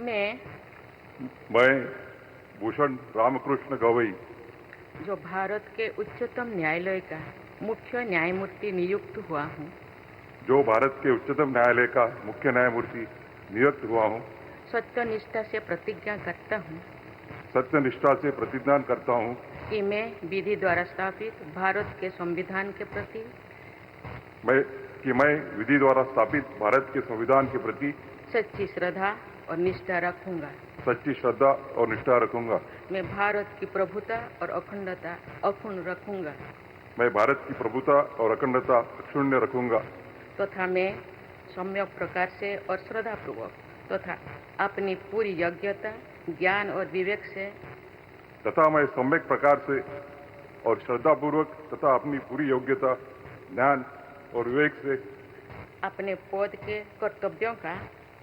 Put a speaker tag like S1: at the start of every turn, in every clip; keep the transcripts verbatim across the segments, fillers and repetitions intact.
S1: मैं
S2: मैं भूषण रामकृष्ण गवई
S1: जो भारत के उच्चतम न्यायालय का मुख्य न्यायमूर्ति नियुक्त हुआ हूँ,
S2: जो भारत के उच्चतम न्यायालय का मुख्य न्यायमूर्ति नियुक्त हुआ हूँ,
S1: सत्यनिष्ठा से प्रतिज्ञा करता हूँ
S2: सत्यनिष्ठा से प्रतिज्ञा करता हूँ
S1: कि मैं विधि द्वारा स्थापित भारत के संविधान के प्रति
S2: मैं कि मैं विधि द्वारा स्थापित भारत के संविधान के प्रति
S1: सच्ची श्रद्धा और निष्ठा रखूंगा।
S2: सच्ची श्रद्धा और निष्ठा रखूंगा।
S1: मैं भारत की प्रभुता और अखंडता अक्षुण्ण रखूंगा
S2: मैं भारत की प्रभुता और अखंडता अक्षुण्य रखूंगा
S1: तथा मैं सम्यक प्रकार से और श्रद्धापूर्वक तथा अपनी पूरी योग्यता, ज्ञान और विवेक से
S2: तथा मैं सम्यक प्रकार से और श्रद्धापूर्वक तथा अपनी पूरी योग्यता, ज्ञान और विवेक से
S1: अपने पद के कर्तव्यों का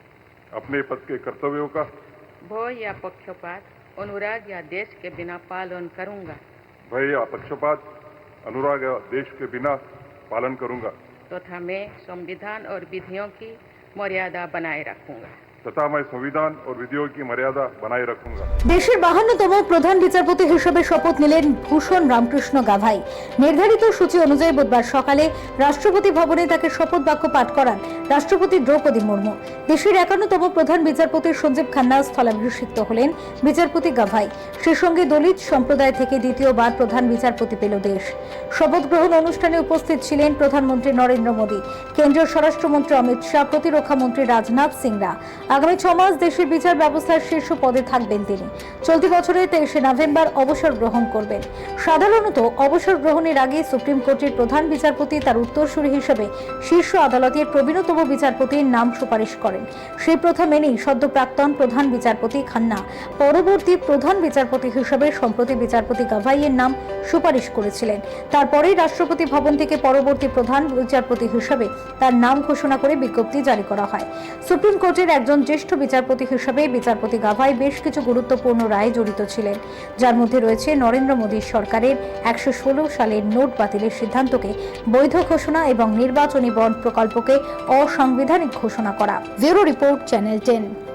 S2: अपने पद के कर्तव्यों का
S1: भय या पक्षपात, अनुराग या देश के बिना पालन करूंगा
S2: भय या पक्षपात, अनुराग या देश के बिना पालन करूंगा
S1: तथा मैं संविधान और विधियों की मर्यादा बनाए रखूंगा
S2: तथा मैं संविधान और विधियों की मर्यादा बनाए रखूंगा।
S3: দেশের বাহান্নতম প্রধান বিচারপতি হিসেবে শপথ নিলেন ভূষণ রামকৃষ্ণ গাভাই। নির্ধারিত সূচি অনুযায়ী বুধবার সকালে রাষ্ট্রপতি ভবনে তাকে শপথ বাক্য পাঠ করান রাষ্ট্রপতি দ্রৌপদী মুর্মু। দেশের একান্নতম প্রধান বিচারপতি সঞ্জীব খান্না স্থলাভিষিক্ত হলেন বিচারপতি গাভাই। সেই সঙ্গে দলিত সম্প্রদায় থেকে দ্বিতীয়বার প্রধান বিচারপতি পেল দেশ। শপথ গ্রহণ অনুষ্ঠানে উপস্থিত ছিলেন প্রধানমন্ত্রী নরেন্দ্র মোদী, কেন্দ্রীয় স্বরাষ্ট্রমন্ত্রী অমিত শাহ, প্রতিরক্ষা মন্ত্রী রাজনাথ সিংরা। আগামী ছ মাস দেশের বিচার ব্যবস্থার শীর্ষ পদে থাকবেন তিনি। চলতি বছরের তেইশে নভেম্বর অবসর গ্রহণ করবেন। সাধারণত অবসর গ্রহণের আগে সুপ্রিম কোর্টের প্রধান বিচারপতি তার উত্তরসূরি হিসেবে শীর্ষ আদালতের প্রবীণতম বিচারপতির নাম সুপারিশ করেন। সেই প্রথা মেনেই সদ্য প্রাক্তন প্রধান বিচারপতি খান্না পরবর্তী প্রধান বিচারপতি হিসেবে সম্প্রতি বিচারপতি গাভাইয়ের নাম সুপারিশ করেছিলেন। তারপরেই রাষ্ট্রপতি ভবন থেকে পরবর্তী প্রধান বিচারপতি হিসেবে তার নাম ঘোষণা করে বিজ্ঞপ্তি জারি করা হয়। সুপ্রিম কোর্টের একজন জ্যেষ্ঠ বিচারপতি হিসেবে বিচারপতি গাভাই বেশ কিছু গুরুত্বপূর্ণ রায়ে জড়িত ছিলেন, যার মধ্যে রয়েছে নরেন্দ্র মোদী সরকারের একশো ষোলো সালের নোট বাতিলের সিদ্ধান্তকে বৈধ ঘোষণা এবং নির্বাচনী বন্ড প্রকল্পকে অসাংবিধানিক ঘোষণা করা। Bureau report, channel ten.